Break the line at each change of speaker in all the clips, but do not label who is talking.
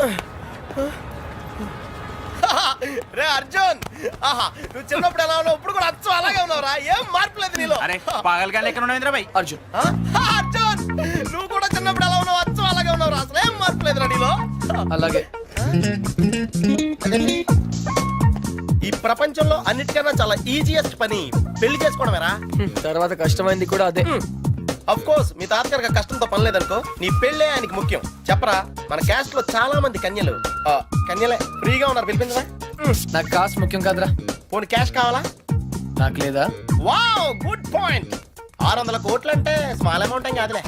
రే అర్జున్, ఆహా నువ్వు చిన్నప్పుడు ఎలా ఉన్నావు ఇప్పుడు కూడా అచ్చం అలాగే ఉన్నావురా, ఏం మార్పు లేదు నీలో.
అరే పాగలగాలి ఎక్కడ ఉన్నావు ఇంద్రబాయ్?
అర్జున్,
అర్జున్ నువ్వు కూడా చిన్నప్పుడు ఎలా ఉన్నావు అచ్చం అలాగే ఉన్నావురా, అసలు ఏం మార్పు లేదురా నీలో.
అలాగే.
ఈ ప్రపంచంలో అన్నిటికన్నా చాలా ఈజియెస్ట్ పని పెళ్లి చేసుకోవడమేరా.
తర్వాత కష్టమైంది కూడా అదే.
అఫ్ కోర్స్ మీ తాతగారికి కష్టంతో పని లేదనుకో, నీ పెళ్ళే ఆయనకి ముఖ్యం. చెప్పరా, మన క్యాస్ట్ లో చాలా మంది కన్యలు కన్యలే ఫ్రీగా ఉన్నారు, పిలిపించరా.
నాకు కాస్ట్ ముఖ్యం కాదురా.
పోనీ క్యాష్ కావాలా?
నాకు లేదా?
Wow good point. 600 కోట్లు అంటే స్మాల్ అమౌంట్ ఏం కాదులే.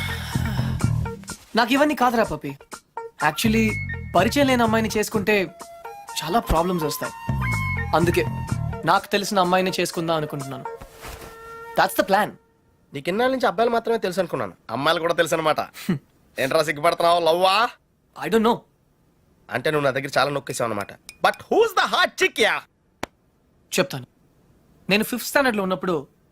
నాకు ఇవన్నీ కాదురా పప్పి. యాక్చువల్లీ పరిచయం లేని అమ్మాయిని చేసుకుంటే చాలా ప్రాబ్లమ్స్ వస్తాయి. అందుకే నాకు తెలిసిన అమ్మాయిని చేసుకుందాం అనుకుంటున్నాను. That's the plan.
నీకు ఇన్నాళ్ళ నుంచి అబ్బాయిలు మాత్రమే తెలుసు అనుకున్నాను, అమ్మాయిలు కూడా తెలుసు అనమాట. ఏంట్రా సిగ్గుపడుతున్నావు, లవ్వా?
I don't know.
అంటే నువ్వు నా దగ్గర చాలా నొక్కేసావు అనమాట. But who's the hot chick ya?
చెప్తాను. నేను 5th స్టాండర్డ్ లో ఉన్నప్పుడు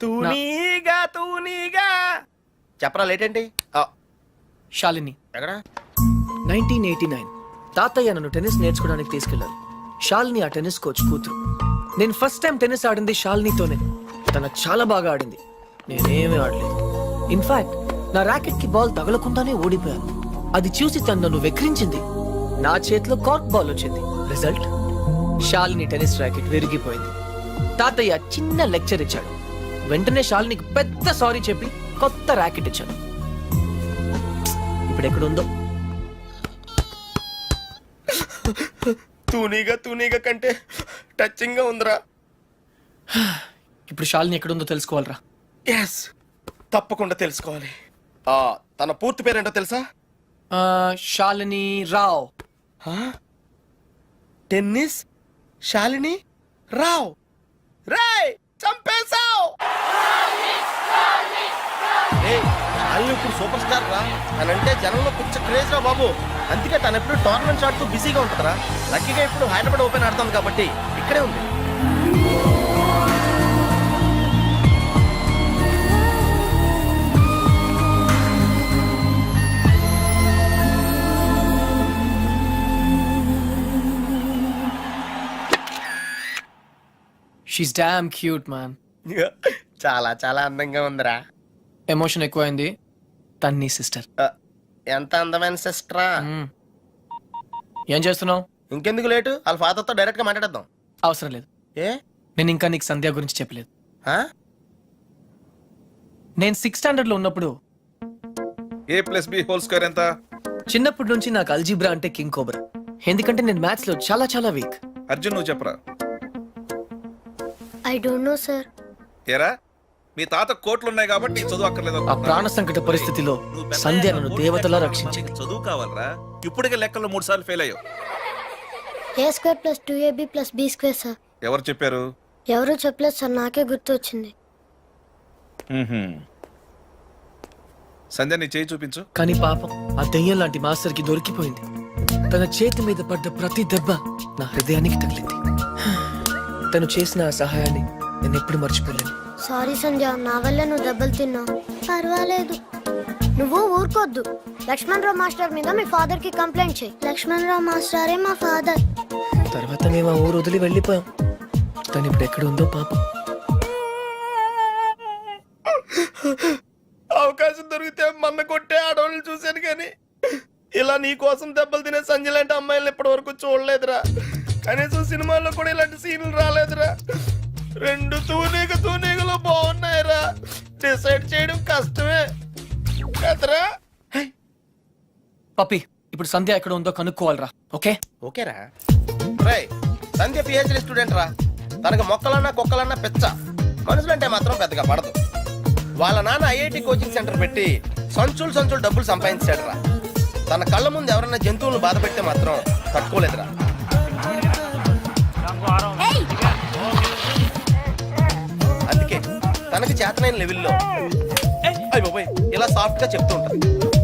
తూనీగా చెప్పరా, లేట్ ఏంటి?
శాలిని
ఎక్కడ?
1989 తాతయ్య నన్ను టెన్నిస్ నేర్చుకోవడానికి తీసుకెళ్లారు. శాలిని ఆ టెన్నిస్ కోచ్ కూతురు. నేను ఫస్ట్ టైం టెన్నిస్ ఆడింది శాలినితోనే. తన చాలా బాగా ఆడింది, నేనేమీ ఆడలేదు. ఇన్ఫాక్ట్ నా ర్యాకెట్ కి బాల్ తగలకుండానే ఓడిపోయాను. అది చూసి తను నన్ను వెక్రించింది. నా చేతిలో కార్క్ బాల్ వచ్చింది. రిజల్ట్, శాలిని టెన్నిస్ ర్యాకెట్ విరిగిపోయింది. తాతయ్య చిన్న లెక్చర్ ఇచ్చాడు. వెంటనే శాలినికి పెద్ద సారీ చెప్పి కొత్త ర్యాకెట్ ఇచ్చాను. ఇప్పుడు ఎక్కడుందో.
తూనీగా కంటే టచింగ్ గా ఉందిరా.
ఇప్పుడు శాలిని ఎక్కడుందో తెలుసుకోవాలరా.
ఎస్, తప్పకుండా తెలుసుకోవాలి. తన పూర్తి పేరేంటో తెలుసా?
శాలిని రావ్.
టెన్నిస్ శాలిని రావ్. రేయ్ చంపేశావ్. శాలిని ఇప్పుడు సూపర్ స్టార్ రా. తనంటే జనంలో పిచ్చ క్రేజ్ రా బాబు. అందుకే తను ఎప్పుడు టోర్నమెంట్స్ ఆడుతూ బిజీగా ఉంటుందిరా. లక్కీగా ఇప్పుడు హైదరాబాద్ ఓపెన్ ఆడుతుంది కాబట్టి ఇక్కడే ఉంది.
She's damn cute man.
చాలా చాలా అందంగా ఉందిరా.
ఎమోషన్ ఎక్కువైంది. తన్ని సిస్టర్.
ఎంత అందమైన సిస్టరా.
ఏం చేస్తున్నావు?
ఇంకెందుకు లేటు, వాళ్ళ ఫాదర్తో డైరెక్ట్ గా మాట్లాడేద్దాం.
అవసరం లేదు.
ఏ?
నేను ఇంకా నీకు సంధ్య గురించి చెప్పలేదు.
ఆ?
నేను 6th స్టాండర్డ్ లో ఉన్నప్పుడు
a+b² ఎంత?
చిన్నప్పటి నుంచి నాకు అల్జీబ్రా అంటే కింగ్ కోబ్రా. ఎందుకంటే నేను మ్యాథ్స్ లో చాలా చాలా వీక్.
అర్జున్ నువ్వు చెప్పరా.
I don't know sir.
ఏరా మీ తాత కోట్లున్నాయి కాబట్టి నీకు చదువు అక్కర్లేదు
ఆ
అనుకుంటున్నావా?
ప్రాణ సంకట పరిస్థితిలో సంధ్య నన్ను దేవతలా రక్షించింది.
చదువు కావాలరా. ఇప్పటికే లెక్కల్లో 3 సార్లు ఫెయిల్ అయ్యావు.
a² + 2ab + b² sir.
ఎవరు చెప్పారు?
ఎవరు చెప్పలేదు సార్, నాకే గుర్తు వచ్చింది.
సంధ్య నీ చేయి చూపించు.
కానీ పాపం ఆ దెయ్యం లాంటి మాస్టర్ కి దొరికిపోయింది. తన చేతి మీద పడ్డ ప్రతి దెబ్బ నా హృదయానికి తగిలింది. తను చేసిన ఆ సహాయాన్ని నేను ఎప్పుడు మర్చిపోలేను.
సారీ సంధ్య, నా వల్ల నువ్వు దెబ్బలు తిన్నావు. పర్వాలేదు, నువ్వు ఊరుకోద్దు. లక్ష్మణరావు మాస్టర్ మీద మీ ఫాదర్ కి కంప్లైంట్ చేయి. లక్ష్మణరావు మాస్టరే మా ఫాదర్.
తర్వాత మేము ఆ ఊరు వదిలి వెళ్ళిపోయాం. తను ఇప్పుడు ఎక్కడ ఉందో పాపం.
అవకాశం దొరికితే మన్న కొట్టే ఆడవాళ్ళు చూశాను, కానీ ఇలా నీ కోసం దెబ్బలు తినే సంజయ్ లాంటి అమ్మాయిలను ఇప్పటి వరకు చూడలేదురా. కనీసం సినిమాల్లో కూడా ఇలాంటి సీన్లు రాలేదురా. 2 తూనీగలు బాగున్నాయిరా. డిసైడ్ చేయడం కష్టమే కదరా.
పప్పి, ఇప్పుడు సంధ్య ఎక్కడ ఉందో కనుక్కోవాలరా. ఓకే
ఓకేరా. రేయ్, సంధ్య పిహెచ్డి స్టూడెంట్ రా. తనకు మొక్కలన్నా కుక్కలన్నా పిచ్చ. మనుషులంటే మాత్రం పెద్దగా పడదు. వాళ్ళ నాన్న ఐఐటి కోచింగ్ సెంటర్ పెట్టి సంచులు డబ్బులు సంపాదించాడు రా. తన కళ్ళ ముందు ఎవరైనా జంతువులను బాధ పెడితే మాత్రం తట్టుకోలేదురా. అందుకే తనకి చేతనైన లెవెల్లో ఇలా సాఫ్ట్ గా చెప్తూ ఉంటారు.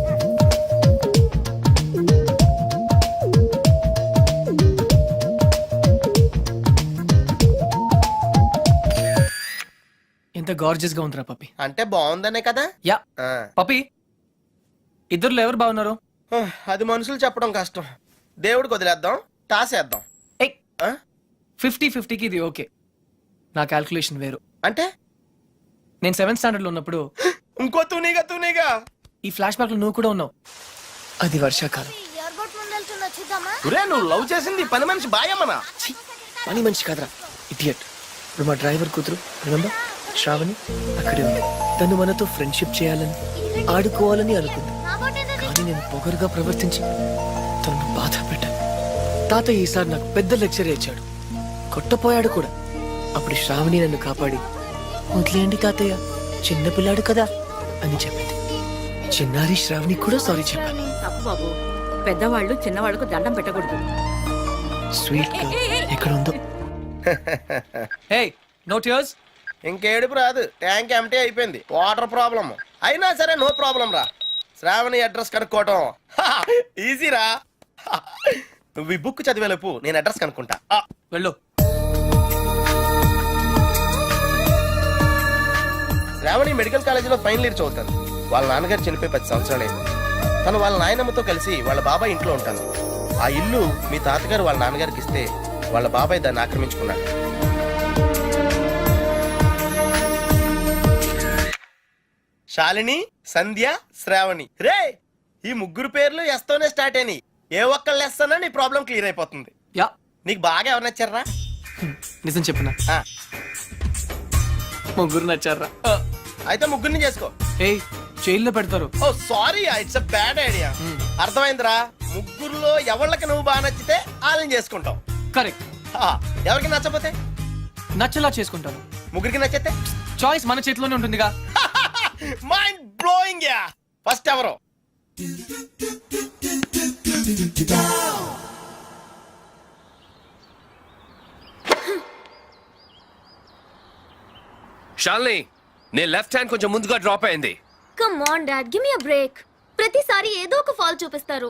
ఎంత గార్జియస్ గా ఉందిరా పప్పి.
అంటే బాగుందనే కదా.
యా పప్పి, ఇద్దరులో ఎవరు బాగున్నారు?
అది మనుషులు చెప్పడం కష్టం, దేవుడికి వదిలేద్దాం, టాస్ వేద్దాం.
ఏయ్
ఆ?
50-50కి ఇది ఓకే. నా క్యాల్కులేషన్ వేరు.
అంటే
నేను 7th స్టాండర్డ్ లో ఉన్నప్పుడు
ఇంకో తూనీగా
ఈ ఫ్లాష్ బ్యాక్ లో నువ్వు కూడా ఉన్నావు. అది వర్షాకాలం.
ఎయిర్పోర్ట్ ముందు వెళ్తున్నా చూద్దామా?
ఒరే నువ్వు లవ్ చేసింది పని మనిషి బాయమ్మనా?
ఛీ, పని మంచి కాదురా ఇడియట్. ఇప్పుడు మా డ్రైవర్ కూతురు రిమెంబర్ శ్రావణి అక్కడే ఉంది. తను మనతో ఫ్రెండ్షిప్ చేయాలని ఆడుకోవాలని అనుకుంది.
నా బోట్ ఏదది?
కానీ నేను పొగరుగా ప్రవర్తించి తనను బాధ పెట్టాను. తాతయ్య ఈసారి నాకు పెద్ద లెక్చర్ ఇచ్చాడు, కొట్టపోయాడు కూడా. అప్పుడు శ్రావణి నన్ను కాపాడి వదిలేయండి తాతయ్య, చిన్నపిల్లాడు కదా అని చెప్పింది. చిన్నారి శ్రావణి కూడా సారీ చెప్పాను.
తప్పు బాబు, పెద్దవాళ్ళు చిన్నవాళ్ళకు దండం పెట్టకూడదు.
స్వీట్ గా ఎక్కడ ఉందో. Hey no tears.
ఇంకేడుపు రాదు, ట్యాంక్ ఎంటీ అయిపోయింది. వాటర్ ప్రాబ్లం అయినా సరే నో ప్రాబ్లం రా. శ్రావణి అడ్రస్ కనుక్కోవటం ఈజీరా. నువ్వు ఈ బుక్ చదివేలోపు నేను అడ్రస్ కనుక్కుంటా.
వెళ్ళు.
శ్రావణి మెడికల్ కాలేజీలో ఫైనల్ ఇయర్ చదువుతాను. వాళ్ళ నాన్నగారు చనిపోయి 10 సంవత్సరాలు అయింది. తను వాళ్ళ నాయనమ్మతో కలిసి వాళ్ళ బాబాయ్ ఇంట్లో ఉంటాను. ఆ ఇల్లు మీ తాతగారు వాళ్ళ నాన్నగారికి ఇస్తే వాళ్ళ బాబాయ్ దాన్ని ఆక్రమించుకున్నాడు. శాలిని, సంధ్య, శ్రావణి. రే ఈ ముగ్గురు పేర్లు ఎస్తోనే స్టార్ట్ అయినాయి. ఏ ఒక్కళ్ళు ఎస్తానో నీ ప్రాబ్లం క్లియర్ అయిపోతుంది.
యా
నీకు బాగా ఎవరు నచ్చారా?
నిజం చెప్పనా,
ఆ,
ముగ్గురు నచ్చారా?
అయితే ముగ్గురిని చేసుకో.
ఏయ్ జైల్లో పెడతారు.
Oh sorry, it's a bad idea. అర్థమైందిరా? ముగ్గురులో ఎవళ్ళకి నువ్వు బాగా నచ్చితే వాళ్ళని చేసుకుంటావు.
కరెక్ట్.
ఆ, ఎవరికి నచ్చపోతే
నచ్చలా చేసుకుంటాను.
ముగ్గురికి నచ్చితే
చాయిస్ మన చేతిలోనే ఉంటుందిగా.
Mind blowing yeah. ఫస్ట్ ఎవరు?
షాల్ని, నీ లెఫ్ట్ హ్యాండ్ కొంచెం ముందుగా డ్రాప్ అయింది.
Come on dad, give me a break. ప్రతిసారి ఏదో ఒక ఫాల్ చూపిస్తారు.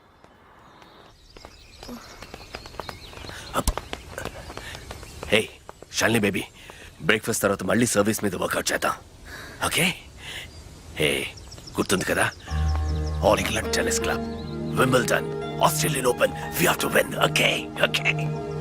హే షాల్ని బేబీ, బ్రేక్ఫాస్ట్ తర్వాత మళ్ళీ సర్వీస్ మీద వర్కౌట్ చేద్దాం, ఓకే? హే గుర్తుంది కదా, all England tennis club, Wimbledon, Australian open, we have to win, okay? Okay.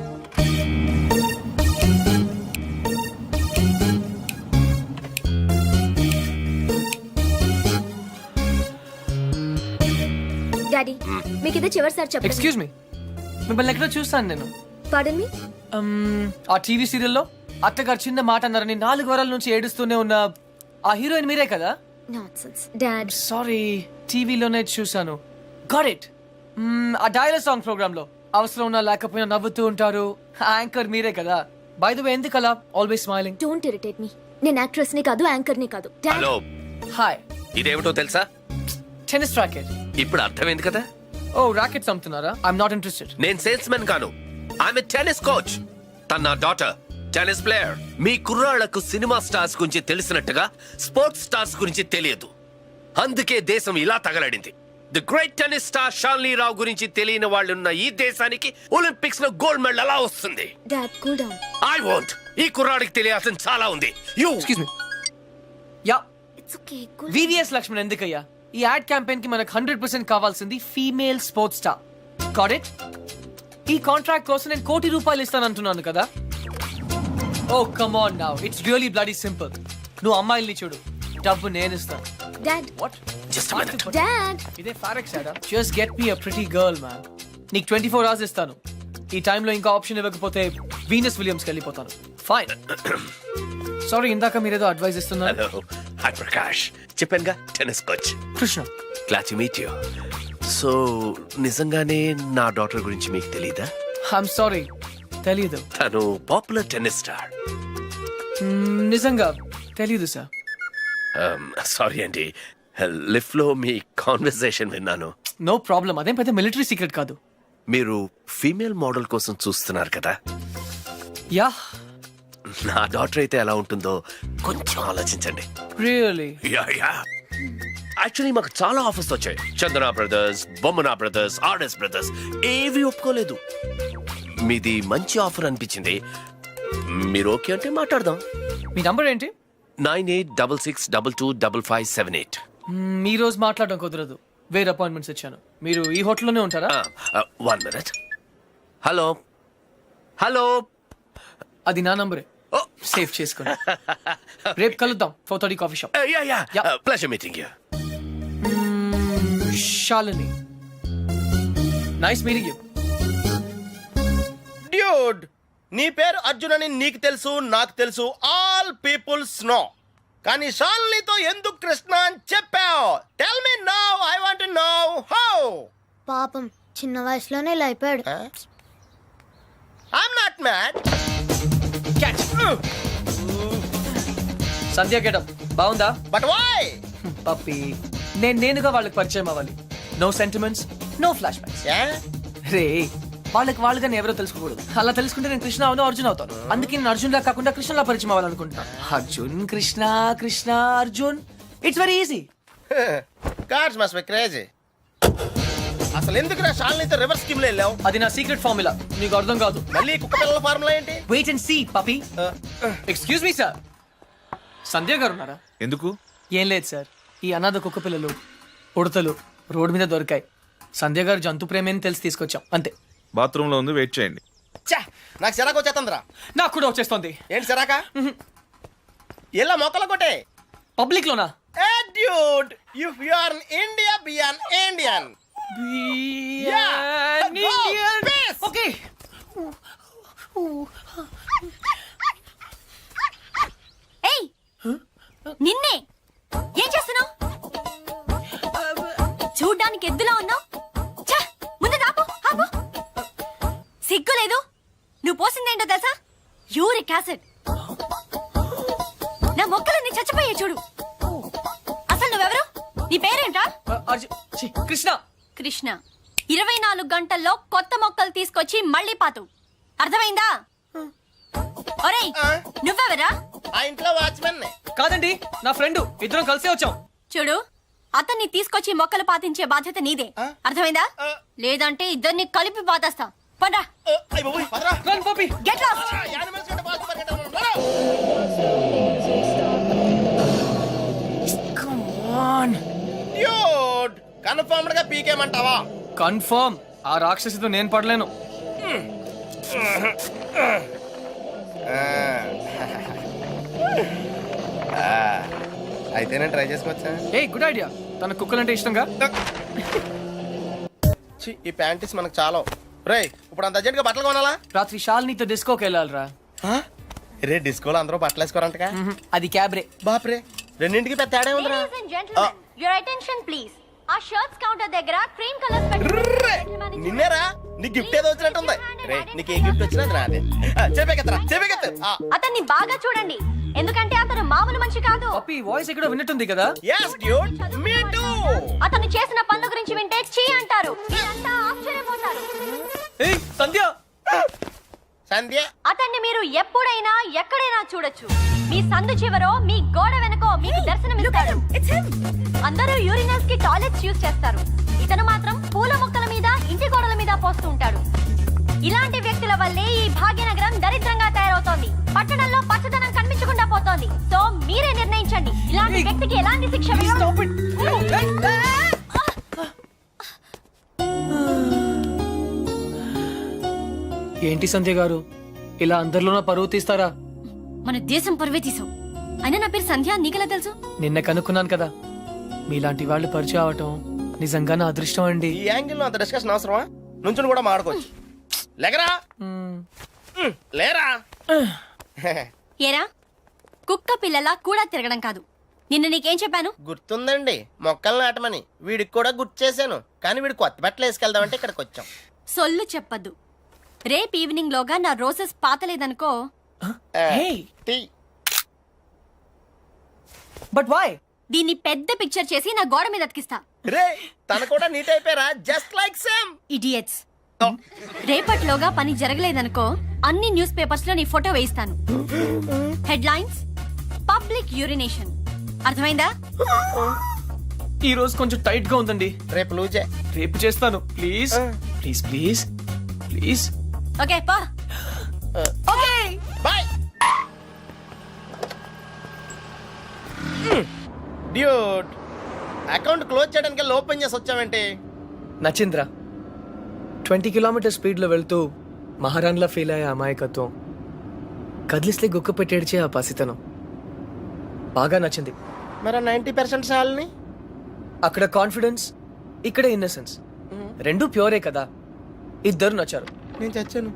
Daddy మీకు ఇది చివరిసారి చెప్పండి.
ఎక్స్క్యూజ్ మీ, మిమ్మల్ని ఎక్కడో చూస్తాను నేను.
పాడన్ మీ.
ఆ టీవీ సీరియల్లో అత్తగారు చిన్న మాట అన్నారని 4 వారాల నుంచి ఏడుస్తూనే ఉన్న ఆ హీరోయిన్ మీరే కదా?
Nonsense dad.
సారీ, టీవీలోనే చూసాను. Got it. ఆ డైలాగ్ సాంగ్ ప్రోగ్రామ్ లో అవసరం ఉన్నా లేకపోయినా నవ్వుతూ ఉంటారు. యాంకర్ మీరే కదా? బై ద వే, ఎందుకు అలా always smiling?
Don't irritate me. నేను యాక్ట్రెస్ ని కాదు, యాంకర్ ని కాదు. డాడ్.
Hello,
hi.
ఇదేమిటో తెలుసా?
Tennis racket.
ఇప్పుడు అర్థమైంది కదా.
ఓ రాకెట్స్ అమ్ముతున్నారా? I'm not interested.
నేను సేల్స్ మెన్ కాను, ఐఎమ్ టెన్నిస్ కోచ్. తన నా డాటర్ టెన్నిస్ ప్లేయర్. మీ కుర్రాళ్లకు సినిమా స్టార్స్ గురించి తెలిసినట్టుగా స్పోర్ట్స్ స్టార్స్ గురించి తెలియదు. అందుకే దేశం ఇలా తగలడింది. The great tennis star Shalini Rao గురించి తెలియని వాళ్ళున్న ఈ దేశానికి ఒలింపిక్స్ లో గోల్డ్ మెడల్ ఎలా వస్తుంది?
Dad cool down.
I want. ఈ కుర్రాడికి తెలియాల్సిన చాలా ఉంది. You
excuse me. Ya,
it's okay. Cool.
VVS Laxman ఎందుకయ్యా? ఈ యాడ్ క్యాంపెయిన్ కి మనకు 100% కావాల్సింది female sports star. Got it? ఈ కాంట్రాక్ట్ కోసం నేను ₹1 కోటి ఇస్తానంటున్నాను కదా. Oh come on now, it's really bloody simple. నువ్వు అమ్మాయిల్ని చూడు, డబ్బు నేను ఇస్తాను.
Dad.
What?
Just minute.
Dad.
ఇదే ఫారెక్స్ యాడా? Just get me a pretty girl man. నీకు 24 hours ఇస్తాను. ఈ టైంలో ఇంకా ఆప్షన్ ఇవ్వకపోతే వీనస్ విలియమ్స్కి వెళ్ళిపోతాను. ఫైన్. సారీ, ఇందాక మీరేదో అడ్వైస్ ఇస్తున్నారు.
Hello, hi Prakash. చెప్పానుగా, tennis coach.
Krishna.
Glad to meet you. So నిజంగానే నా డాటర్ గురించి మీకు తెలీదా?
ఐఎమ్ సారీ, తెలీదు.
తను పాపులర్ టెన్నిస్ స్టార్.
నిజంగా తెలీదు సార్.
సారీ అండి, లిఫ్ట్ లో మీ కాన్వర్సేషన్ విన్నాను.
నో ప్రాబ్లం, అదేం పెద్ద మిలిటరీ సీక్రెట్ కాదు.
మీరు ఫీమేల్ మోడల్ కోసం చూస్తున్నారు కదా.
యా.
నా డాటర్ అయితే ఎలా ఉంటుందో కొంచెం ఆలోచించండి.
రియల్లీ?
యాక్చువల్లీ మాకు చాలా ఆఫర్స్ వచ్చాయి. Chandana brothers, Bommana brothers, RS brothers, ఏవి ఒప్పుకోలేదు. మీది మంచి ఆఫర్ అనిపించింది. మీరు ఓకే అంటే మాట్లాడదాం.
మీ నంబర్ ఏంటి?
9866225578.
ఈ రోజు మాట్లాడడం కుదరదు. వేరే అపాయింట్మెంట్స్ ఇచ్చాను. మీరు ఈ హోటల్లోనే ఉంటారా?
1 minute. Hello hello.
అది నా నంబరే. సేవ్ చేసుకోండి. రేపు కలుద్దాం 4:30 coffee shop. Yeah.
Pleasure meeting you.
Shalini, nice meeting you.
Dude, నీ పేరు అర్జున్ అని నీకు తెలుసు, నాకు తెలుసు, ఆల్ పీపుల్స్ నో. కానీ షాలినితో ఎందుకు కృష్ణ అని చెప్పావు? Tell me now, I want to know how.
పాపం చిన్న వయసులోనే ఇలా అయిపోయాడు.
I'm not mad.
Sandhya getup బాగుందా?
But why?
పప్పి, నేనుగా వాళ్ళకి పరిచయం అవ్వాలి. No sentiments, no flashbacks. రే, వాళ్ళుగా ఎవరో తెలుసుకోకూడదు. అలా తెలుసుకుంటే నేను కృష్ణ అవును, అర్జున్ అవుతాను. అందుకే నేను అర్జున్ లా కాకుండా కృష్ణలా పరిచయం అవ్వాలనుకుంటున్నా. Arjun Krishna, Krishna Arjun, it's very easy.
Cars must be crazy. అసలు ఎందుకు నా షాలినితో రివర్స్ స్కీమ్ లో వెళ్ళావు?
అది నా సీక్రెట్ ఫార్ములా, నీకు అర్థం కాదు.
మళ్ళీ కుక్క పిల్లల ఫార్ములా ఏంటి?
Wait and see puppy. Excuse me sir, Sandhya గారు ఉన్నారా?
ఎందుకు?
ఏం లేదు సార్, ఈ అనాథ కుక్క పిల్లలు ఉడతలు రోడ్డు మీద దొరికాయి. సంధ్య గారు జంతు ప్రేమని తెలిసి తీసుకొచ్చాం అంతే.
బాత్రూమ్ లో ఉంది, వెయిట్ చేయండి.
ఛా, నాకు సిరాకు వచ్చేస్తుందిరా.
నాకు కూడా వచ్చేస్తుంది.
ఏంటి సిరాక? ఇలా మొక్కలు కొట్టే
పబ్లిక్ లోనా?
Dude, if you are in India, be an Indian. Yeah, go, peace.
Okay.
ఏయ్, నిన్నే ఏం చేస్తున్నావు? చూడ్డానికి ఎద్దులా ఉన్నావు. ముందు ఆపు, ఆపు. సిగ్గు లేదు. నువ్వు పోసిందేంటో తెలుసా? Uric acid. నా మొక్కలన్నీ చచ్చిపోయాయి చూడు. అసలు నువ్వెవరు? నీ పేరేంటా?
కృష్ణ.
కృష్ణ. 24 గంటల్లో కొత్త మొక్కలు తీసుకొచ్చి మళ్ళీ పాతు. అర్థమైందా? ఒరేయ్, నువ్వెవరా?
ఆ ఇంట్లో వాచ్మెన్.
కాదండి, నా ఫ్రెండ్. ఇద్దరం కలిసే వచ్చాం.
చూడు, అతన్ని తీసుకొచ్చి మొక్కలు పాతించే బాధ్యత నీదే. అర్థమైందా? లేదంటే ఇద్దరిని కలిపి పాతేస్తా. పండ్రా.
Run, puppy.
Get lost.
Come on.
Dude, confirmed గా పీకేమంటావా?
కన్ఫర్మ్. ఆ రాక్షసితో నేను పడలేను.
అయితే నేను ట్రై చేసుకోవచ్చా?
A good idea. తన కుక్కలంటే ఇష్టంగా.
ఛీ, ఈ ప్యాంటీస్ మనకు చాలా. రేయ్, ఇప్పుడు అంత అర్జెంట్ గా బట్టలు కొనాలా?
రాత్రి శాలినితో డిస్కోకి వెళ్ళాలిరా.
రే, డిస్కోలో అందరూ బట్టలు వేసుకోరంటగా.
అది క్యాబ్రే.
బాప్రే, రెండింటికి పెద్ద తేడా ఉందిరా.
Ladies and gentlemen, your attention please. ఆ షర్ట్స్ కౌంటర్ దగ్గర క్రీమ్ కలర్స్ పెట్టుకుని
నిన్నేరా, నీ గిఫ్ట్ ఏదో వచ్చినట్టుంది. రే, నీకు ఏ గిఫ్ట్ వచ్చినా అది నాదే. చెప్పేకెత్తరా, చెప్పేకెత్తు.
అతన్ని బాగా చూడండి, ఎందుకంటే అతను మామూలు మనిషి కాదు.
పప్పి వాయిస్ ఎక్కడో విన్నట్టుంది కదా.
yes dude, me too.
అతను చేసిన పనుల గురించి వింటే చీ అంటారు. మీరంతా ఆశ్చర్యపోతారు.
ఏయ్ సంధ్య.
సంధ్య,
అతన్ని మీరు ఎప్పుడైనా ఎక్కడైనా చూడొచ్చు. మీ సందు చివరో, మీ గోడ వెనకో మీకు దర్శనమిస్తాడు. అందరూ యూరినల్స్ కి టాయిలెట్స్ యూజ్ చేస్తారు. ఇతను మాత్రం పూల మొక్కల మీద, ఇంటి గోడల మీద పోస్తూ ఉంటాడు. ఇలాంటి వ్యక్తుల వల్లే ఈ భాగ్యనగరం దరిద్రంగా తయారవుతోంది. పట్టణంలో పచ్చదనం కనిపించకుండా పోతోంది. సో మీరే నిర్ణయించండి, ఇలాంటి వ్యక్తికి ఎలాంటి శిక్ష వేయాలి.
ఏంటి సంధ్య గారు, ఇలా అందరిలోనూ పరువు తీస్తారా?
మన దేశం పరువే తీసావు. అయినా నా పేరు సంధ్య, నీకెలా తెలుసు?
నిన్న కనుక్కున్నాను కదా. మీలాంటి వాళ్ళు పరిచయం అవటం నిజంగా నా అదృష్టం అండి.
ఈ యాంగిల్ లో అంత డిస్కషన్ అవసరమా? నుంచుని కూడా మాడుకోవచ్చు. లేకరా, లేరా.
ఏరా, కుక్క పిల్లలా కూడా తిరగడం కాదు. నిన్న నీకేం చెప్పాను?
గుర్తుందండి, మొక్కలు నాటమని. వీడికి కూడా గుర్తు చేశాను, కానీ వీడు కొత్త బట్టలు వేసుకెళ్దామంటే ఇక్కడికి వచ్చాం.
సొల్లు చెప్పద్దు. రేపు ఈవినింగ్ లోగా నా రోజెస్ పాతలేదనుకో.
టీ.
But why?
దీన్ని పెద్ద పిక్చర్ చేసి నా గోడ మీద అతికిస్తా.
రే, తన కూడా నీట్ అయిపోయారా? Just like same.
ఇడియట్స్. రేపటిలోగా పని జరగలేదనుకో, అన్ని న్యూస్ పేపర్స్ లో నీ ఫోటో వేయిస్తాను. Headlines: public urination. అర్థమైందా?
ఈ రోజు కొంచెం టైట్ గా ఉందండి.
రేపు లూజే.
రేపు చేస్తాను. Please please please please.
Okay పా. Okay
bye. Dude, account close చేయడానికి ఓపెన్ చేసి వచ్చామంటే
నచింద్ర 20 కిలోమీటర్ స్పీడ్లో వెళ్తూ మహారాణ్లా ఫీల్ అయ్యే అమాయకత్వం, కదిలిస్తే గుక్క పెట్టేడ్చే ఆ పసితనం బాగా నచ్చింది.
మరి 90% సాల్ని
అక్కడ కాన్ఫిడెన్స్, ఇక్కడ ఇన్నసెన్స్, రెండూ ప్యూరే కదా. ఇద్దరు నచ్చారు.
నేను చచ్చాను.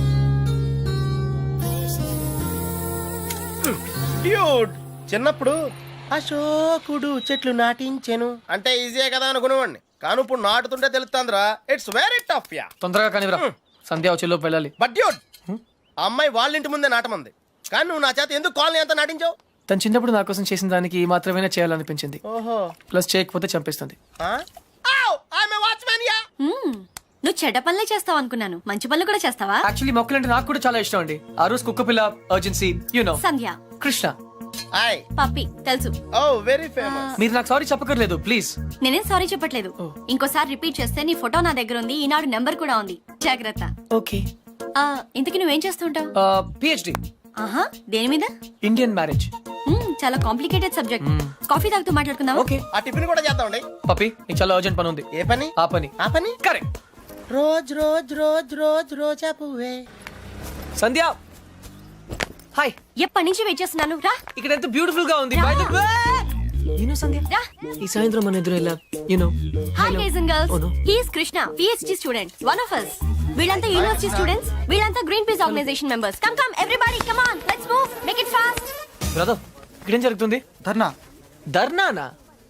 డ్యూడ్, చిన్నప్పుడు అశోకుడు చెట్లు నాటించెను అంటే ఈజీయే కదా అనుకునేవాడిని, కానీ ఇప్పుడు నాటుతుంటే తెలుస్తుందిరా, ఇట్స్ వెరీ టఫ్ యా.
తొందరగా కానివ్వరా, సంధ్య వచ్చేలో వెళ్ళాలి.
బట్ డ్యూడ్, ఆ అమ్మాయి వాళ్ళ ఇంటి ముందే నాటమంది, కానీ నువ్వు నా చేత ఎందుకు కాలనీ అంతా నాటించావు?
తను చిన్నప్పుడు నా కోసం చేసిన దానికి ఈ మాత్రమే చేయాలనిపించింది.
ఓహో,
ప్లస్ చేయకపోతే చంపేస్తుంది.
Watchman ya.
నువ్వు చెడ్డ పనులే చేస్తావు అనుకున్నాను, మంచి పనులు కూడా చేస్తావా?
యాక్చువల్లీ మొక్కలంటే నాకు కూడా చాలా ఇష్టం అండి. ఆ రోజు కుక్క పిల్ల urgency,
Sandhya,
Krishna.
Hi.
Puppy తెలుసు.
Oh very famous.
మీరు నాకు సారీ చెప్పకర్లేదు ప్లీజ్.
నేనేం సారీ చెప్పట్లేదు. ఇంకోసారి రిపీట్ చేస్తే నీ ఫోటో నా దగ్గర ఉంది, ఈనాడు నెంబర్ కూడా ఉంది, జాగ్రత్త.
ఓకే.
ఇంతకీ నువ్వేం చేస్తుంటావు?
పిహెచ్డి
ఆహా, దేని మీద?
Indian marriage.
చాలా కాంప్లికేటెడ్ సబ్జెక్ట్. కాఫీ తాగుతూ మాట్లాడుకుందాం.
ఓకే.
ఆ టిఫిన్ కూడా చేద్దామండి.
పప్పి, నీకు చాలా అర్జెంట్ పని ఉంది.
ఏ పని?
ఆ పని.
ఆ పని
correct.
Rose rose rose rose రోజా పువ్వే.
సంధ్య హాయ్.
ఎప్పటి నుంచి వెయిట్ చేస్తున్నాను, రా.
ఇక్కడ ఎంత బ్యూటిఫుల్ గా ఉంది. By the way, సంధ్య,
రా.
ఈ సాయంత్రం మన ఎదురు ఎలా
hi guys and girls,
Oh, no.
He is Krishna, PhD student, one of us. వీళ్ళంతా యూనివర్సిటీ స్టూడెంట్స్, వీళ్ళంతా Greenpeace organisation members. Come come everybody, come on, let's move, make it fast.
Brother, ఇక్కడేం జరుగుతుంది?
ధర్నా.
ధర్నానా?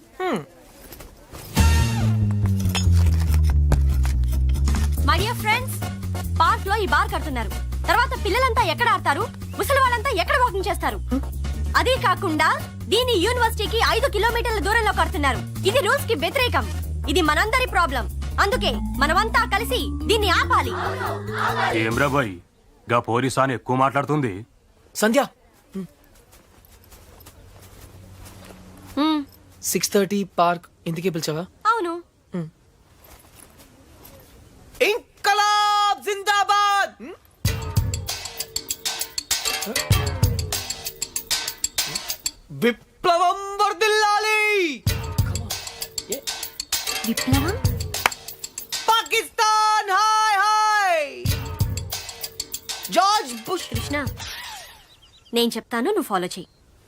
మై డియర్ ఫ్రెండ్స్, పార్క్ లో ఈ bar కడుతున్నారు. తర్వాత పిల్లలంతా ఎక్కడ ఆడతారు, ముసలి వాళ్ళంతా ఎక్కడ వాకింగ్ చేస్తారు? అదే కాకుండా దీని యూనివర్సిటీకి 5 కిలోమీటర్ల దూరంలో కడుతున్నారు. ఇది రూల్స్ కి వ్యతిరేకం. ఇది మనందరి ప్రాబ్లం. అందుకే మనమంతా కలిసి దీన్ని ఆపాలి.
ఏమ్రా బాయ్, గా పోలీసాని ఎక్కువ మాట్లాడుతుంది.
సంధ్య 6:30 పార్క్ ఇందుకే పిలిచావా?
అవును.
ఇంకలాబ్ జిందాబాద్. విప్లవం వర్ధిల్లాలి.
విప్లవం.
పాకిస్తాన్ హాయ్ హాయ్. George Bush.
కృష్ణ, నేను చెప్తాను, నువ్వు ఫాలో చెయ్యి.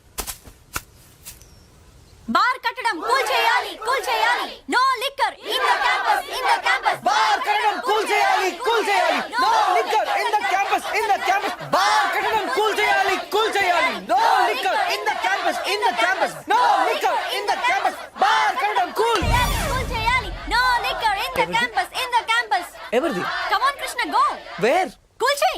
బార్ కట్టడం కూల్ చేయాలి, కూల్ చేయాలి. No liquor in the campus, in the campus.
Bar కట్టడం కూల్ చేయాలి, కూల్ చేయాలి. No liquor in the campus, in the campus. Bar కట్టడం కూల్ చేయాలి, కూల్ చేయాలి. No liquor in the campus, in the campus. No liquor in the campus. Bar కట్టడం cool
cool చేయాలి. No liquor in the campus, in the campus.
ఎవరిది?
Come on Krishna, go.
Where?
Cool చేయి.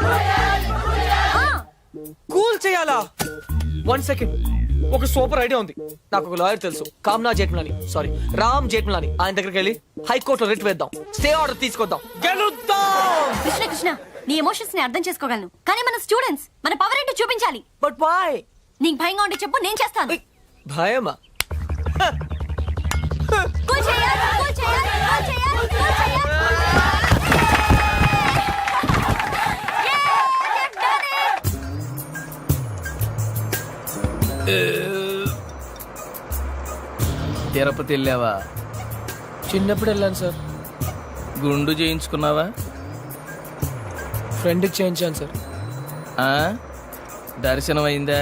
Cool చేయాలా? 1 second. ఒక super idea ఉంది. నాకు ఒక lawyer తెలుసు, కామ్నా జేఠ్మలాని, సారీ రామ్ జేఠ్మలాని. ఆయన దగ్గరికి వెళ్ళి హైకోర్టులో రిట్ వేద్దాం, స్టే ఆర్డర్ తీసుకొద్దాం, గెలుద్దాం.
కృష్ణ కృష్ణ, నీ ఎమోషన్స్ ని అర్థం చేసుకోగలను, కానీ మన స్టూడెంట్స్, మన పవర్ ఏంటో చూపించాలి.
But why?
నీకు భయంగా ఉంటే చెప్పు, నేను చేస్తాను.
భయమా?
కూల్ చేయాలి, కూల్ చేయాలి, కూల్ చేయాలి, కూల్ చేయాలి.
తిరుపతి వెళ్ళావా?
చిన్నప్పుడు వెళ్ళాను సార్.
గుండు చేయించుకున్నావా?
ఫ్రెండ్కి చేయించాను సార్.
దర్శనం అయిందా?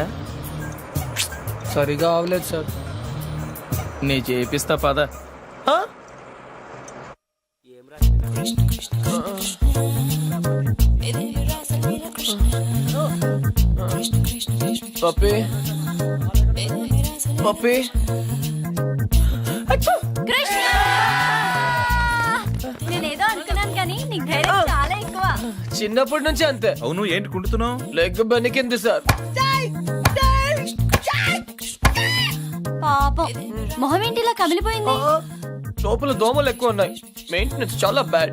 సరిగా అవలేదు సార్.
నీ చేపిస్తా పద.
పప్పి పప్పి.
కృష్ణ, నేనేదో అనుకున్నాను కానీ నీకు ధైర్యం చాలా ఎక్కువ.
చిన్నప్పటి నుంచి అంతే.
అవును, ఏంటి కుంటున్నావు?
Leg బెనికింది sir.
పాపం, మొహం ఏంటిలా కమిలిపోయింది?
లోపల దోమలు ఎక్కువ ఉన్నాయి, మెయింటెనెన్స్ చాలా బ్యాడ్.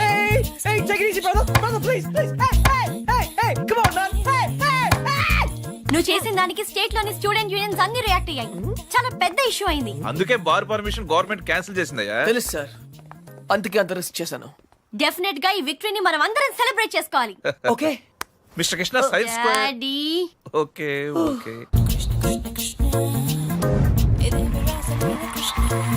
నువ్వు చేసిన దానికి స్టేట్ లోని స్టూడెంట్ యూనియన్స్ అన్ని రియాక్ట్ అయ్యాయి. చాలా పెద్ద ఇష్యూ అయింది.
అందుకే బార్ పర్మిషన్ గవర్నమెంట్ క్యాన్సిల్ చేసిందయ్యా.
తెలుసు సార్, అందుకే అంత రిస్క్ చేశాను.
డెఫినెట్ గా ఈ విక్టరీని మనం అందరం సెలబ్రేట్ చేసుకోవాలి.
Okay
mister Krishna, science square.
Daddy,
okay okay.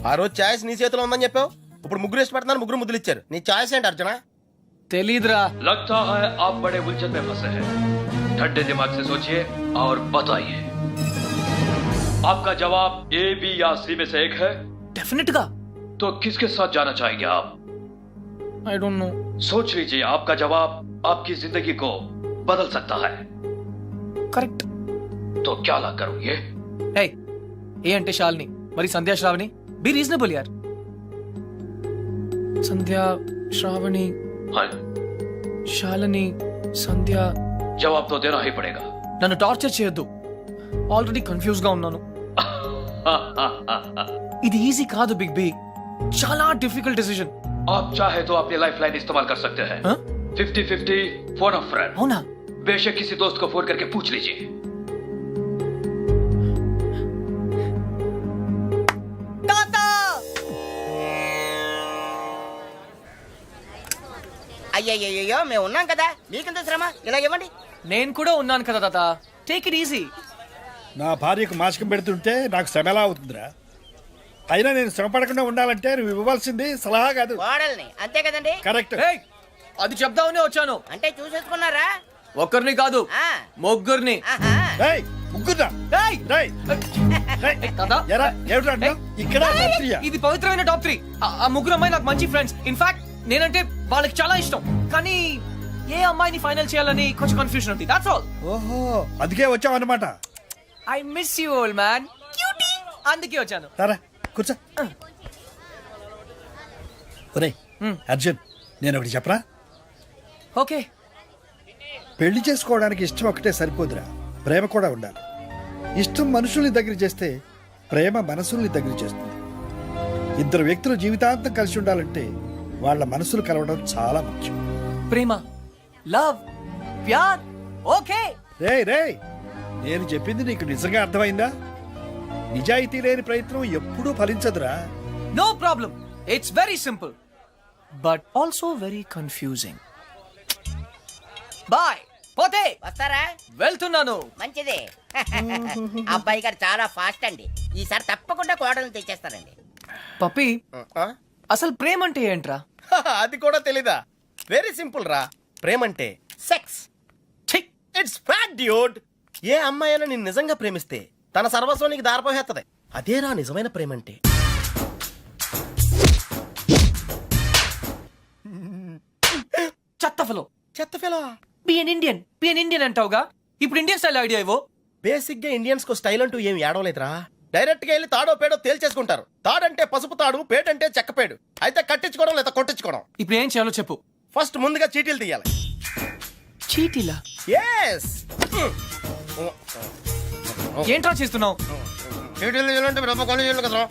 ఆ రోజు ఛాయిస్ నీ చేతిలో ఉందని చెప్పావు, ఇప్పుడు ముగ్గురు ఇష్టపడుతున్నారు, ముగ్గురు ముద్దులు ఇచ్చారు. నీ ఛాయిస్ ఏంటి అర్జున?
తెలీదురా.
लगता है आप बड़े उलझन में फंसे हैं। ठंडे दिमाग से सोचिए और बताइए। आपका जवाब ए, बी या सी में से एक है,
డెఫినెట్ గా.
तो किसके साथ जाना चाहेंगे आप?
I don't know.
सोच लीजिए, आपका जवाब आपकी जिंदगी को बदल सकता है।
కరెక్ట్.
तो क्या ला करोगे?
హే, ఏ అంటే శాలిని, మరి సంధ్యా శ్రావణి. బి రీజనబుల్ యార్. సంధ్యా శ్రావణి
हाँ,
శాలిని సంధ్య.
जवाब तो देना ही पड़ेगा।
నన్ను టార్చర్ చేయొద్దు, ఆల్రెడీ కన్ఫ్యూజ్ గా ఉన్నాను. ఇది ఈజీ కాదు బిగ్ బి, చాలా డిఫికల్ట్ డిసిజన్.
आप चाहे तो अपनी लाइफ लाइन इस्तेमाल कर सकते हैं।
हाँ?
50-50 फोन ऑफ फ्रेंड।
అవునా?
बेशक किसी दोस्त को फोन करके पूछ लीजिए।
అయ్యయ్యో మేము ఉన్నాం కదా, మీకెంత శ్రమ, ఇలా ఇవ్వండి.
నేను కూడా ఉన్నాను కదా తాత, టేక్ ఇట్ ఈజీ.
నా భార్యకు మాసికం పెడుతుంటే నాకు శ్రమ ఎలా అవుతుందిరా? అయినా నేను శ్రమ పడకుండా ఉండాలంటే నువ్వు ఇవ్వాల్సింది సలహా కాదు,
కోడల్ని, అంతే కదండి?
కరెక్ట్.
అది చెప్దామనే వచ్చాను.
అంటే చూసేసుకున్నారా?
ఒక్కరిని కాదు,
ఆ,
ముగ్గురిని.
ఆహా.
రేయ్, ముగ్గురా.
ఏయ్!
రేయ్, రేయ్.
తాత,
ఎరా, ఏమిట్రా అంటున్నావ్? ఇక్కడ రాత్రియా?
ఇది పవిత్రమైన టాప్ 3. ఆ ముగ్గురు అమ్మాయి నాకు మంచి ఫ్రెండ్స్. ఇన్ఫాక్ట్ నేనంటే వాళ్ళకి చాలా ఇష్టం. కానీ ఏ అమ్మాయిని ఫైనల్ చేయాలని కొంచెం కన్ఫ్యూజన్ ఉంది. That's all.
ఓహో, అందుకే వచ్చావు అన్నమాట.
I miss you old man. Cutie. అందుకే వచ్చాను.
సరే కూర్చో. ఒరేయ్ అర్జున్, నేను ఒకటి చెప్పరా?
ఓకే.
పెళ్లి చేసుకోవడానికి ఇష్టం ఒకటే సరిపోదురా, ప్రేమ కూడా ఉండాలి. ఇష్టం మనుషుల్ని దగ్గర చేస్తే ప్రేమ మనసుల్ని దగ్గర చేస్తుంది. ఇద్దరు వ్యక్తులు జీవితాంతం కలిసి ఉండాలంటే వాళ్ళ మనసులు కలవడం చాలా ముఖ్యం.
ప్రేమ, లవ్, ప్యార్. ఓకే.
రేయ్ రేయ్, నేను చెప్పింది నీకు నిజంగా అర్థమైందా? నిజాయితీ లేని ప్రయత్నం ఎప్పుడూ ఫలించదురా.
No problem. It's very simple but also very confusing. Bye. పోతే
వస్తారా?
వెళ్తున్నాను.
మంచిది. అబ్బాయి గారు చాలా ఫాస్ట్ అండి, ఈసారి తప్పకుండా కోడల్ని తెచ్చేస్తారండి.
పప్పి,
ఆ?
అసలు ప్రేమ అంటే ఏంట్రా?
అది కూడా తెలీదా? వెరీ సింపుల్ రా. ప్రేమంటే సెక్స్. It's fact dude. ఏ అమ్మాయి అయినా నిన్ను నిజంగా ప్రేమిస్తే తన సర్వస్వం నీకు దారిపోహేత్తది. అదేరా నిజమైన ప్రేమంటే.
చెత్తఫలో.
చెత్త ఫెలో.
బి ఎన్ ఇండియన్ అంటావుగా, ఇప్పుడు ఇండియన్ స్టైల్ ఐడియా ఇవ్వు.
బేసిక్ గా ఇండియన్స్ కు స్టైల్ అంటూ ఏం ఏడవలేదురా. డైరెక్ట్ గా వెళ్ళి తాడో పేడో తేల్చేసుకుంటారు. తాడంటే పసుపు తాడు, పేడంటే చెక్కపేడు. అయితే కట్టించుకోవడం లేదా కొట్టించుకోవడం.
ఇప్పుడు ఏం చేయాలో చెప్పు.
ఫస్ట్ ముందుగా చీటీలు తీయాలి.
చీటీలా?
ఎస్.
ఏంట్రా చేస్తున్నావు?
చీటీలు తీయాలంటే రూపాయి కొని చేయాలి కదరా.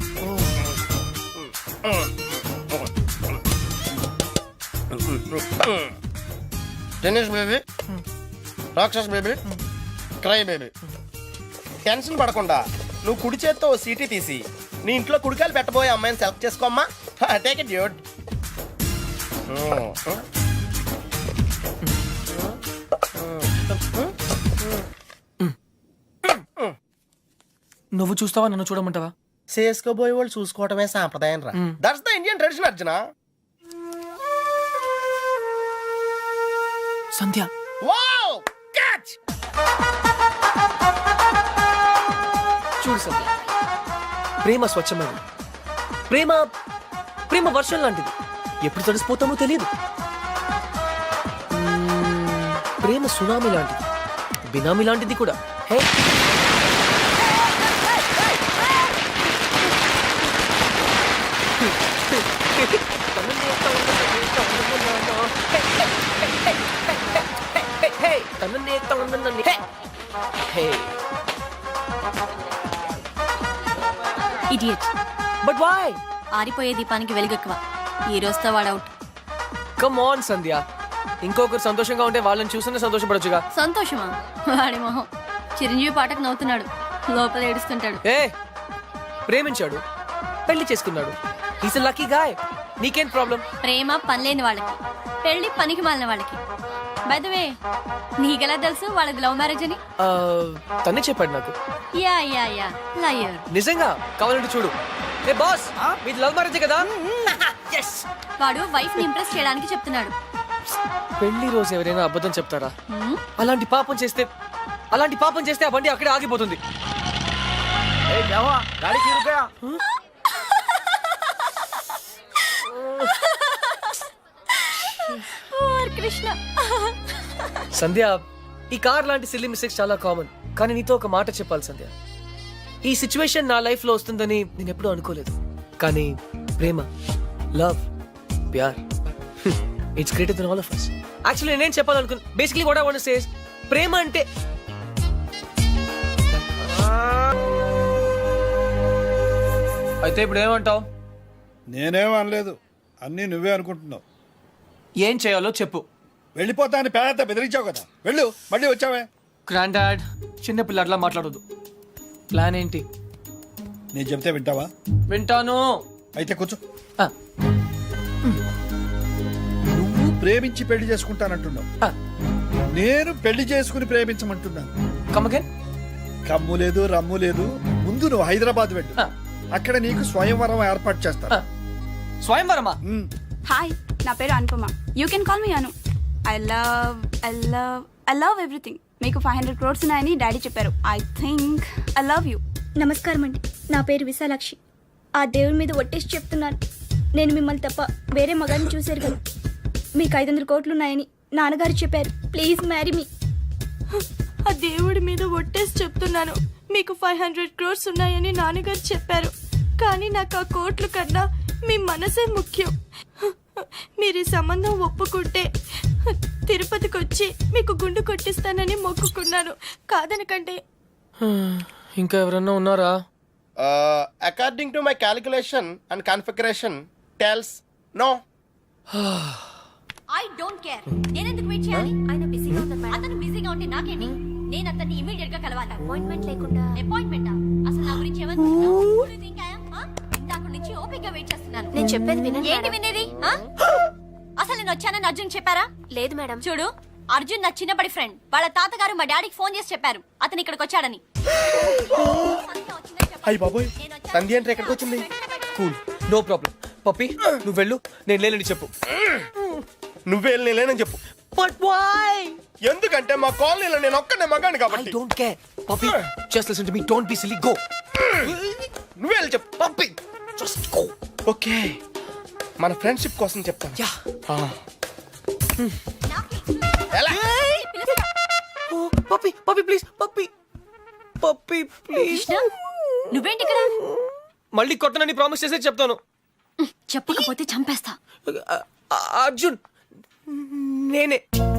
టెన్నిస్ బేబీ, రాక్షస్ బేబీ, క్రై బేబీ. టెన్షన్ పడకుండా నువ్వు కుడి చేత్తో ఓ సీటీ తీసి నీ ఇంట్లో కుడికాయలు పెట్టబోయే అమ్మాయిని సెలెక్ట్ చేసుకోమ్మా. Take it dude.
నువ్వు చూస్తావా, నన్ను చూడమంటావా?
చేసుకోబోయే వాళ్ళు చూసుకోవటమే సాంప్రదాయం రా. That's the Indian tradition Arjuna.
Sandhya.
Wow, catch.
చూడు సంధ్య, ప్రేమ స్వచ్ఛమైనది. ప్రేమ ప్రేమ వర్షం లాంటిది, ఎప్పుడు తడిసిపోతామో తెలియదు. ప్రేమ సునామీ లాంటిది, బినామీ లాంటిది కూడా. Hey,
idiot.
But why?
ఆరిపోయే దీపానికి వెలుగెక్కువ. ఈ రోజుతో వాడవుట్.
కమ్ ఆన్ సంధ్య, ఇంకొకరు సంతోషంగా ఉంటే వాళ్ళని చూస్తేనే సంతోషపడొచ్చుగా.
సంతోషమా? వాడి మొహం. చిరంజీవి పాటకు నవ్వుతున్నాడు, లోపల ఏడుస్తుంటాడు.
ఏ, ప్రేమించాడు, పెళ్లి చేసుకున్నాడు. Is a lucky guy. నీకేం ప్రాబ్లం?
ప్రేమ పనిలేని వాళ్ళకి, పెళ్లి పనికి మాలిన వాళ్ళకి. బై ద వే, నీకెలా తెలుసు వాళ్ళది లవ్ మ్యారేజ్ అని?
తనే చెప్పాడు నాకు.
Yeah yeah yeah, liar.
నిజంగా? కావాలంటే చూడు. ఏ బాస్ మీది లవ్ మ్యారేజ్ కదా?
వాడు వైఫ్ ని ఇంప్రెస్ చేయడానికి చెప్తున్నాడు.
పెళ్లి రోజు ఎవరైనా అబద్ధం చెప్తారా? అలాంటి పాపం చేస్తే ఆ బండి అక్కడే ఆగిపోతుంది.
కృష్ణ,
సంధ్య, ఈ కార్ లాంటి సిల్లీ మిస్టేక్స్ చాలా కామన్. కానీ నీతో ఒక మాట చెప్పాలి సంధ్య. ఈ సిచ్యువేషన్ నా లైఫ్ లో వస్తుందని నేను ఎప్పుడూ అనుకోలేదు. కానీ ప్రేమ, లవ్, ప్యార్, it's greater than all of us. Actually నేనేం చెప్పాలనుకున్నా, basically what I want to say is ప్రేమ అంటే అయితే ఇప్పుడు ఏమంటావు?
నేనేం అనలేదు, అన్నీ నువ్వే అనుకుంటున్నావు.
ఏం చేయాలో చెప్పు.
వెళ్ళిపోతా అని పేద బెదిరించావు కదా, వెళ్ళు. మళ్ళీ వచ్చావే.
గ్రాండ్ డాడ్, చిన్న పిల్లట్లా మాట్లాడొద్దు. ప్లాన్ ఏంటి?
నేను చెప్తే వింటావా?
వింటాను.
అయితే కూర్చో.
ఆ,
నువ్వు ప్రేమించి పెళ్లి చేసుకుంటానంటున్నావు,
ఆ,
నేను పెళ్లి చేసుకుని ప్రేమించమంటున్నాను.
come again?
కమ్ము లేదు, రమ్ము లేదు. ముందు నువ్వు హైదరాబాద్ వెళ్ళు.
ఆ,
అక్కడ నీకు స్వయంవరం ఏర్పాటు చేస్తాను.
ఆ. స్వయంవరమా?
హాయ్, నా పేరు Anupama. You can call me Anu. I love everything. మీకు 500 crores ఉన్నాయని డాడీ చెప్పారు. I think I love you.
నమస్కారం అండి, నా పేరు విశాలాక్షి. ఆ దేవుడి మీద ఒట్టేసి చెప్తున్నాను, నేను మిమ్మల్ని తప్ప వేరే మగాన్ని చూశారు కదా. మీకు 500 కోట్లు ఉన్నాయని నాన్నగారు చెప్పారు. Please marry me.
ఆ దేవుడి మీద ఒట్టేసి చెప్తున్నాను, మీకు 500 crores ఉన్నాయని నాన్నగారు చెప్పారు. కానీ నాకు ఆ కోట్లు కన్నా మీ మనసే ముఖ్యం. మీరు ఈ సంబంధం ఒప్పుకుంటే తిరుపతికి వచ్చి మీకు గుండు కొట్టిస్తానని మొక్కుకున్నాను. కాదనకంటే.
ఇంకా ఎవరన్నా ఉన్నారా?
According to my calculation and configuration tells no.
I don't care. నేను ఎందుకు వెయిట్ చేయాలి? ఆయన బిజీగా ఉన్నారు మేడం. అతను బిజీగా ఉంటే నాకేంటి? నేను అతన్ని ఇమిడియట్ గా కలవాలి. అపాయింట్మెంట్ లేకుండా. అపాయింట్మెంటా? అసలు నా గురించి ఏమనుకుంటున్నావు? ఇందాక నుంచి ఓపిక వెయిట్ చేస్తున్నాను.
నేను చెప్పేది వినండి.
ఏంటి వినేది? అసలు నేను వచ్చానని అర్జున్ చెప్పారా?
లేదు మేడం.
చూడు, అర్జున్ నా చిన్నప్పటి ఫ్రెండ్. వాళ్ళ తాతగారు మా డాడీకి ఫోన్ చేసి చెప్పారు అతను ఇక్కడికి వచ్చాడని.
అయ్యి బాబోయ్, సంధ్య అంటే ఎక్కడికి వచ్చింది?
Cool, no problem. పప్పి, నువ్వు వెళ్ళు, నేను లేనని చెప్పు.
నువ్వే లేనని చెప్పు.
But why?
ఎందుకంటే మా కాలనీలో నేను ఒక్కనే మగాను
ఐ
కాబట్టి.
Don't care. Pappi, just listen to me. Don't be silly. Go.
నువ్వే వెళ్ళి చెప్పు.
Pappi, just go.
ఓకే, మన ఫ్రెండ్షిప్ కోసం చెప్తాను.
యా.
ఎలా?
పప్పి, పప్పి ప్లీజ్. పప్పి, పప్పి ప్లీజ్.
కృష్ణ, నువ్వేంటి ఇక్కడ?
మళ్ళీ కొట్టనని ప్రామిస్ చేసే చెప్తాను.
చెప్పకపోతే చంపేస్తా.
అర్జున్, నేనే